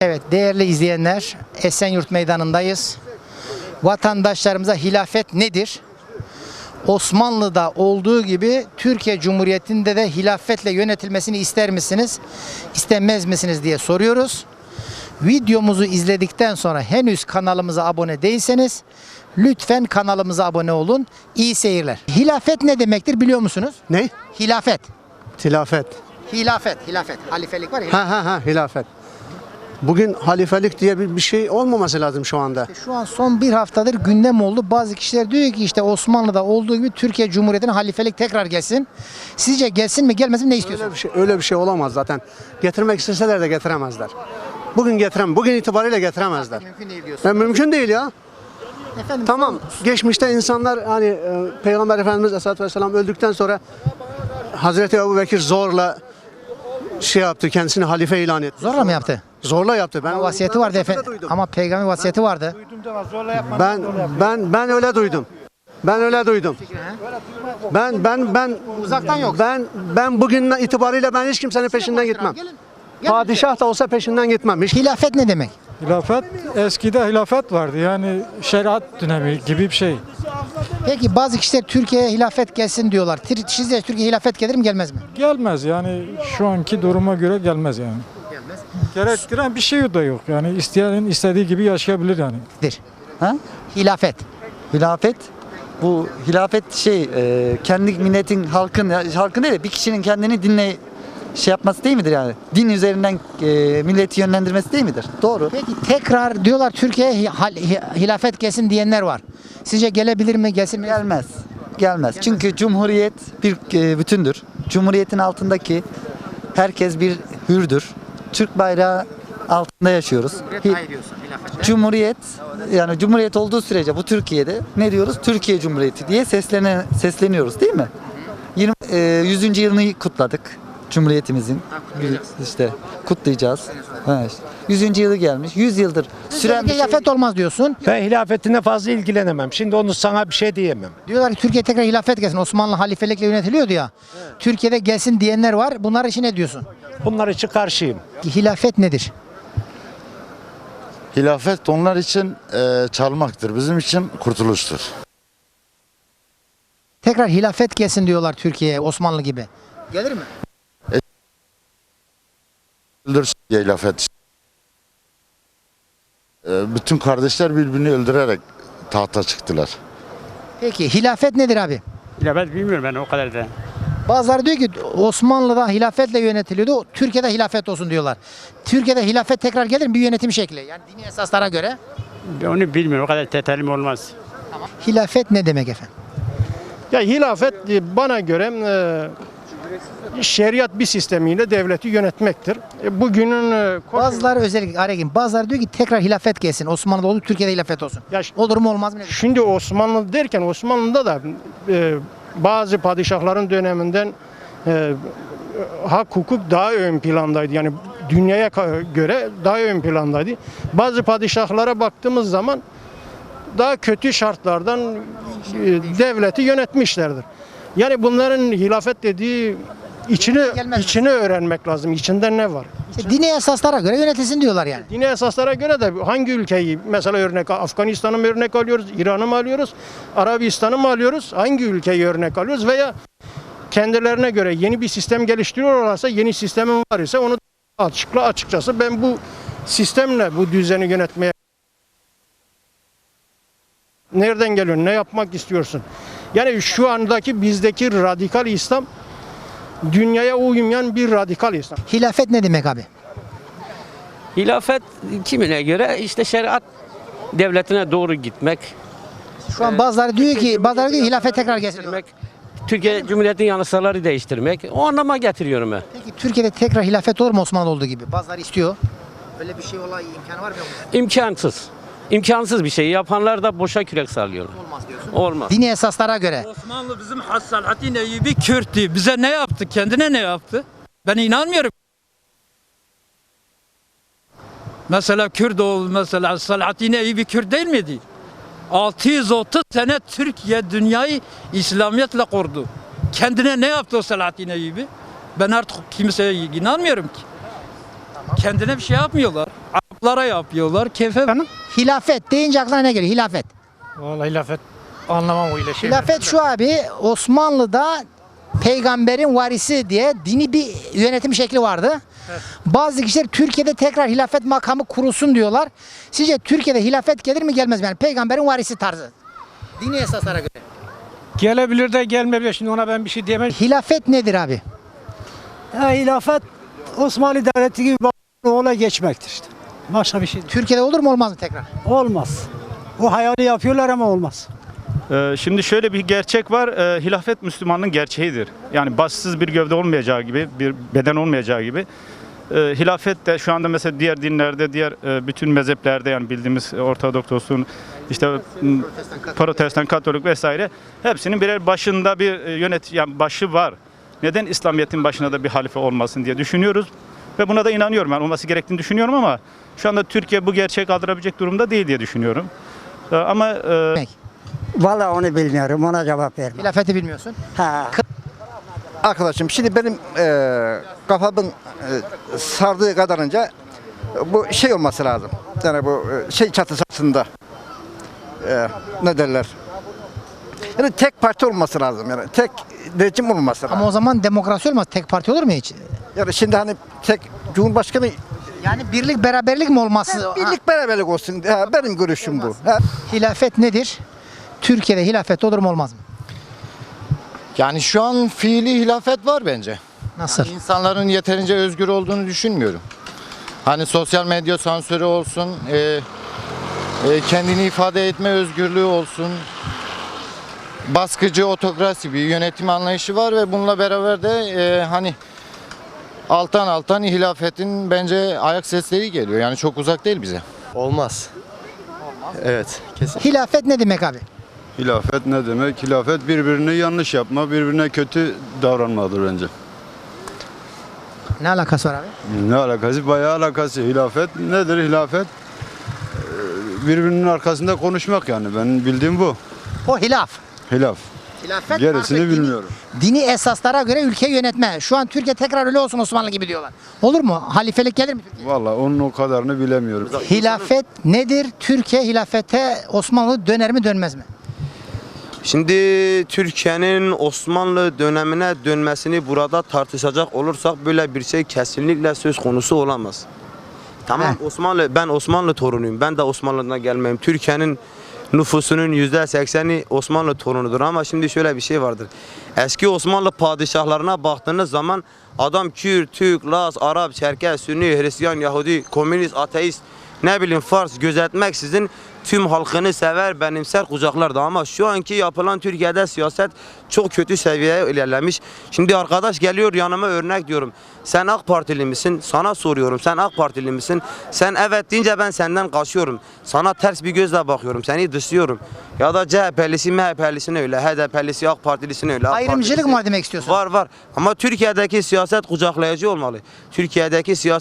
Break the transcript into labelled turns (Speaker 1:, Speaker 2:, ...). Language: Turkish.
Speaker 1: Evet değerli izleyenler, Esenyurt Meydanı'ndayız. Vatandaşlarımıza hilafet nedir? Osmanlı'da olduğu gibi Türkiye Cumhuriyeti'nde de hilafetle yönetilmesini ister misiniz, istemez misiniz diye soruyoruz. Videomuzu izledikten sonra henüz kanalımıza abone değilseniz lütfen kanalımıza abone olun. İyi seyirler. Hilafet ne demektir biliyor musunuz?
Speaker 2: Ne?
Speaker 1: Hilafet.
Speaker 2: Hilafet.
Speaker 1: Hilafet. Halifelik var ya.
Speaker 2: Hilafet. Bugün halifelik diye bir şey olmaması lazım şu anda.
Speaker 1: Şu an son bir haftadır gündem oldu. Bazı kişiler diyor ki işte Osmanlı'da olduğu gibi Türkiye Cumhuriyeti'ne halifelik tekrar gelsin. Sizce gelsin mi gelmesin mi ne istiyorsunuz?
Speaker 2: Öyle bir şey olamaz zaten. Getirmek isteseler de getiremezler. Bugün itibariyle getiremezler.
Speaker 1: Mümkün değil diyorsun.
Speaker 2: Mümkün değil ya.
Speaker 1: Efendim,
Speaker 2: Tamam. Geçmişte insanlar hani Peygamber Efendimiz Aleyhisselatü Vesselam öldükten sonra Hazreti Ebubekir zorla şey yaptı, kendisini halife ilan etti.
Speaker 1: zorla mı yaptı?
Speaker 2: Zorla yaptı.
Speaker 1: Ama vasiyeti vardı efendim. Ama peygamber vasiyeti vardı.
Speaker 2: Ben öyle duydum. Ben
Speaker 1: Uzaktan yok.
Speaker 2: Ben bugün itibariyle ben hiç kimsenin peşinden gitmem.
Speaker 1: Gelin.
Speaker 2: Padişah da olsa peşinden gitmem.
Speaker 1: Hilafet ne demek?
Speaker 3: Hilafet, eskide hilafet vardı yani şeriat dönemi gibi bir şey.
Speaker 1: Peki bazı kişiler Türkiye'ye hilafet gelsin diyorlar. Sizce Türkiye hilafet gelir mi gelmez mi?
Speaker 3: Gelmez yani şu anki duruma göre gelmez yani.
Speaker 1: Gelmez.
Speaker 3: Gerektiren bir şey de yok yani isteyenin istediği gibi yaşayabilir yani.
Speaker 4: Ha?
Speaker 1: Hilafet.
Speaker 4: Hilafet. Bu hilafet kendi milletin halkın değil de bir kişinin kendini dinle şey yapması değil midir yani? Din üzerinden milleti yönlendirmesi değil midir? Doğru.
Speaker 1: Peki tekrar diyorlar Türkiye'ye hilafet gelsin diyenler var. Sizce gelebilir mi gelsin mi?
Speaker 4: Gelmez. Çünkü cumhuriyet bir bütündür. Cumhuriyetin altındaki herkes bir hürdür. Türk bayrağı altında yaşıyoruz. Cumhuriyet yani cumhuriyet olduğu sürece bu Türkiye'de ne diyoruz? Türkiye Cumhuriyeti diye sesleniyoruz değil mi? 100. yılını kutladık Cumhuriyetimizin. İşte kutlayacağız. Evet. 100. yılı gelmiş. 100 yıldır süren bir şey.
Speaker 1: Hilafet olmaz diyorsun.
Speaker 5: Ben hilafetine fazla ilgilenemem. Şimdi onu sana bir şey diyemem.
Speaker 1: Diyorlar ki Türkiye tekrar hilafet gelsin. Osmanlı halifelikle yönetiliyordu ya. Türkiye'de gelsin diyenler var. Bunlar için ne diyorsun?
Speaker 5: Bunlar için karşıyım.
Speaker 1: Hilafet nedir?
Speaker 6: Hilafet onlar için çalmaktır. Bizim için kurtuluştur.
Speaker 1: Tekrar hilafet gelsin diyorlar Türkiye'ye Osmanlı gibi. Gelir mi?
Speaker 6: Öldürsün diye hilafet. Bütün kardeşler birbirini öldürerek tahta çıktılar.
Speaker 1: Peki hilafet nedir abi?
Speaker 7: Hilafet bilmiyorum ben o kadar da.
Speaker 1: Bazıları diyor ki Osmanlı'da hilafetle yönetiliyordu. Türkiye'de hilafet olsun diyorlar. Türkiye'de hilafet tekrar gelir mi? Bir yönetim şekli. Yani dini esaslara göre.
Speaker 7: Onu bilmiyorum o kadar detaylı olmaz.
Speaker 1: Hilafet ne demek efendim?
Speaker 8: Ya hilafet bana göre şeriat bir sistemiyle devleti yönetmektir. Bugünün
Speaker 1: Bazıları özellikle araya gireyim. Bazıları diyor ki tekrar hilafet gelsin. Osmanlı'da olur, Türkiye'de hilafet olsun.
Speaker 8: Ya
Speaker 1: Olur mu olmaz mı? Ne?
Speaker 8: şimdi Osmanlı derken Osmanlı'da da bazı padişahların döneminden hak hukuk daha ön plandaydı. Yani dünyaya göre daha ön plandaydı. Bazı padişahlara baktığımız zaman daha kötü şartlardan devleti yönetmişlerdir. Yani bunların hilafet dediği içini öğrenmek lazım. İçinde ne var?
Speaker 1: İşte dini esaslara göre yönetilsin diyorlar yani.
Speaker 8: Dini esaslara göre de hangi ülkeyi mesela örnek Afganistan'ı mı örnek alıyoruz, İran'ı mı alıyoruz, Arabistan'ı mı alıyoruz, hangi ülkeyi örnek alıyoruz veya kendilerine göre yeni bir sistem geliştiriyorlarsa yeni sistemin var ise onu açıkçası ben bu sistemle bu düzeni yönetmeye nereden geliyorsun, ne yapmak istiyorsun? Yani şu andaki bizdeki radikal İslam dünyaya uymayan bir radikal İslam.
Speaker 1: Hilafet ne demek abi?
Speaker 9: Hilafet kimine göre işte şeriat devletine doğru gitmek.
Speaker 1: Şu an bazıları diyor ki hilafet tekrar gelsin. diyorlar.
Speaker 9: Türkiye Cumhuriyeti'nin yasaları değiştirmek. O anlama getiriyorum ben.
Speaker 1: Peki Türkiye'de tekrar hilafet olur mu Osmanlı olduğu gibi? Bazıları istiyor. Öyle bir şey olay imkanı var mı?
Speaker 9: İmkansız. İmkansız bir şey. Yapanlar da boşa kürek sallıyor.
Speaker 1: Olmaz diyorsun.
Speaker 9: Olmaz.
Speaker 1: Dini esaslara göre.
Speaker 10: Osmanlı bizim Hassalahattin Eyyubi Kürt'tü. Bize ne yaptı? Kendine ne yaptı? Ben inanmıyorum. Mesela Kürdoğlu mesela Salahattin Eyyubi Kürt değil miydi? 630 sene Türkiye dünyayı İslamiyetle kurdu. Kendine ne yaptı o Salahattin Eyyubi? Ben artık kimseye inanmıyorum ki. Kendine bir şey yapmıyorlar. Lara yapıyorlar. Kefe
Speaker 1: Hilafet deyince aklına ne geliyor? Hilafet.
Speaker 3: Vallahi hilafet anlamam öyle şey.
Speaker 1: Hilafet şu abi, Osmanlı'da peygamberin varisi diye dini bir yönetim şekli vardı. Bazı kişiler Türkiye'de tekrar hilafet makamı kurulsun diyorlar. Sizce Türkiye'de hilafet gelir mi gelmez mi? Yani peygamberin varisi tarzı. Dini esaslara göre.
Speaker 5: Gelebilir de gelmeyebilir. Şimdi ona ben bir şey diyemem.
Speaker 1: Hilafet nedir abi?
Speaker 5: Hilafet Osmanlı Devleti gibi ola geçmektir işte. Başka bir şey değil.
Speaker 1: Türkiye'de olur mu olmaz mı tekrar?
Speaker 5: Olmaz. O hayali yapıyorlar ama olmaz.
Speaker 11: Şimdi şöyle bir gerçek var. Hilafet Müslümanlığın gerçeğidir. Yani başsız bir gövde olmayacağı gibi, bir beden olmayacağı gibi. Hilafet de şu anda mesela diğer dinlerde, diğer bütün mezheplerde, yani bildiğimiz Ortodoks olsun, işte Protestan, Katolik vesaire, hepsinin birer başında bir yani başı var. Neden İslamiyet'in başına da bir halife olmasın diye düşünüyoruz ve buna da inanıyorum. Yani olması gerektiğini düşünüyorum ama şu anda Türkiye bu gerçeği kaldırabilecek durumda değil diye düşünüyorum. Ama
Speaker 5: Vallahi onu bilmiyorum. Ona cevap vermem.
Speaker 1: Hilafeti bilmiyorsun.
Speaker 6: Arkadaşım şimdi benim kafamın sardığı kadarınca bu şey olması lazım. Yani bu şey çatısı altında ne derler? Yani tek parti olması lazım, yani tek rejim olması lazım.
Speaker 1: Ama o zaman demokrasi olmaz. Tek parti olur mu hiç?
Speaker 6: Yani şimdi hani tek Cumhurbaşkanı,
Speaker 1: Yani birlik beraberlik mi olması?
Speaker 6: birlik beraberlik olsun. Benim görüşüm bu.
Speaker 1: Hilafet nedir? Türkiye'de hilafet olur mu olmaz mı?
Speaker 12: Yani şu an fiili hilafet var bence.
Speaker 1: Nasıl?
Speaker 12: İnsanların yeterince özgür olduğunu düşünmüyorum. Hani sosyal medya sansürü olsun, kendini ifade etme özgürlüğü olsun, baskıcı otokrasi bir yönetim anlayışı var ve bununla beraber de hani alttan hilafetin bence ayak sesleri geliyor. Yani çok uzak değil bize.
Speaker 6: Olmaz. Evet, kesin.
Speaker 1: Hilafet ne demek abi?
Speaker 11: hilafet ne demek? Hilafet birbirini yanlış yapma, birbirine kötü davranmadır bence.
Speaker 1: Ne alakası var abi?
Speaker 11: Ne alakası? Bayağı alakası. Hilafet nedir hilafet? Birbirinin arkasında konuşmak yani. Benim bildiğim bu.
Speaker 1: O hilaf.
Speaker 11: Hilaf.
Speaker 1: Hilafet
Speaker 11: Gerisini
Speaker 1: artık
Speaker 11: bilmiyorum.
Speaker 1: Dini esaslara göre ülkeyi yönetme. Şu an Türkiye tekrar öyle olsun Osmanlı gibi diyorlar. Olur mu? Halifelik gelir mi Türkiye'ye?
Speaker 11: Vallahi onun o kadarını bilemiyorum.
Speaker 1: Hilafet nedir? Türkiye hilafete Osmanlı döner mi dönmez mi?
Speaker 13: Şimdi Türkiye'nin Osmanlı dönemine dönmesini burada tartışacak olursak böyle bir şey kesinlikle söz konusu olamaz. Tamam, ben Osmanlı torunuyum. Ben de Osmanlı'dan gelmeyim. Türkiye'nin nüfusunun %80'i Osmanlı torunudur ama şimdi şöyle bir şey vardır. Eski Osmanlı padişahlarına baktığınız zaman adam Kürt, Türk, Laz, Arap, Çerkez, Sünni, Hristiyan, Yahudi, komünist, ateist, ne bileyim Fars gözetmeksizin tüm halkını sever, benimser, kucaklardı ama şu anki yapılan Türkiye'de siyaset çok kötü seviyeye ilerlemiş. Şimdi arkadaş geliyor yanıma örnek diyorum. Sen AK Partili misin? Sana soruyorum. Sen AK Partili misin? Sen evet deyince ben senden kaçıyorum. Sana ters bir gözle bakıyorum. Seni dışlıyorum. Ya da CHP'lisi, MHP'lisine öyle, HDP'lisi, AK Partilisine öyle.
Speaker 1: Ayrımcılık mı demek istiyorsun?
Speaker 13: Var. Ama Türkiye'deki siyaset kucaklayıcı olmalı. Türkiye'deki siyaset